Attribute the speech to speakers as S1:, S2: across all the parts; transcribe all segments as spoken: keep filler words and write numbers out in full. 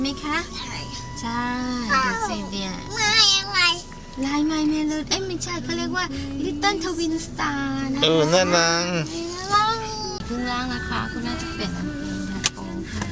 S1: ไหมคะใช่ใช่ดูสิเนี่ยไม่อะไรลายไมเมโลดเอ้ยไม่ใช่เขาเรียกว่า Little Twin Star นะคะ
S2: เออน่ารัก
S1: เพิ่งล้างนะคะคุณน่าจะเปลี่ยนน้ำเป็นค่ะโอ้ค่ะ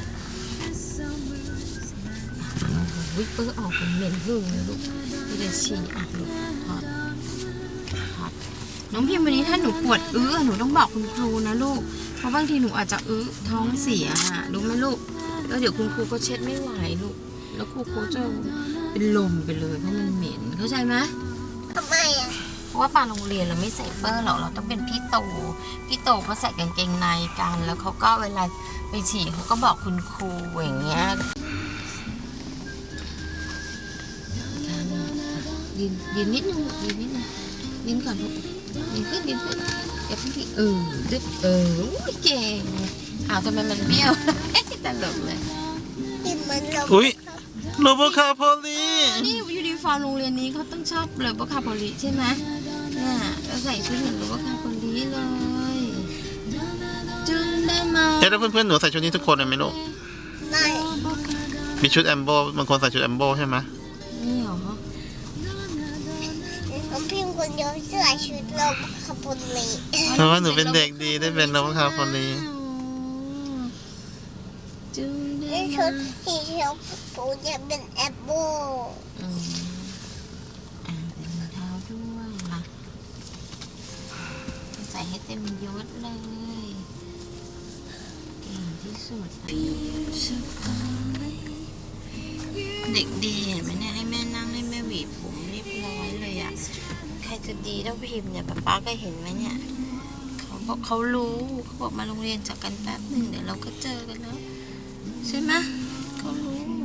S1: วิปเปอร์ออกเป็นเหม็นหึ่งเลยลูกไม่ได้ฉี่อ่ะลูกถอดถอดน้องพิมวันนี้ถ้าหนูปวดอื้อหนูต้องบอกคุณครูนะลูกเพราะบางทีหนูอาจจะอื้อท้องเสียอ่ะรู้ไหมลูกแล้วเดี๋ยวคุณครูก็เช็ดไม่ไหวลูกแล้วครูโค้ชจะเป็นลมไปเลยเพราะมันเหม็นเข้าใจไหมทำไมอ่ะเพราะว่าปาโรงเรียนเราไม่ใส่เปอร์หรอกเราต้องเป็นพี่โตพี่โตเขาใส่กางเกงในกันแล้วเขาก็เวลาไปฉี่เขาก็บอกคุณครูอย่างเงี้ยยืนยืนนิดนึงยืนนิดนึงยืนก่อนลูกยืนขึ้นยืนขึ้นอย่าเพิ่งที่เออดึ๊บเออเก่งอ้าวทำไมมันเบี้ยวตลกเลย
S2: อุ้ยโรบคาโพลี
S1: นี่ยูนิฟอร์มโรงเรียนนี้เขาต้องชอบโรบคาโพลีใช่ไหมเนี่ยเราใส่ชุดเหมือนโรบคาโพลีเลยจึงได้มา
S2: เอ๊ะแล้วเพื่อนๆหนูใส่ชุดนี้ทุกคนเลยไหมลูก
S1: ไม่
S2: มีชุดแอมโบบางคนใส่ชุดแอมโบใช่ไหม
S1: นี่เหรอ
S3: น้องพิมพ์คนเดียวใส่ชุดโรบคาโพลี
S2: เพราะว่าหนูเป็นเด็กดีได้เป็นโรบคาโพลี
S1: จึงได้
S3: นี่ชุดสีเขียวปูจะเป็นแอปเปิ้ล
S1: อืมอ่าเป็นรองเท้าด้วยมาใส่ให้เต็มยศเลยเก่งที่สุดเด็กดีเห็นไหมเนี่ยให้แม่นั่งให้แม่หวีผมเรียบร้อยเลยอ่ะใครจะดีเท่าพิมพ์เนี่ยป๊าป๊าก็เห็นไหมเนี่ยเขาบอกเขารู้เขาบอกมาโรงเรียนจากกันแป๊บหนึ่งเดี๋ยวเราก็เจอกันแล้วใช่ไหมเขารู้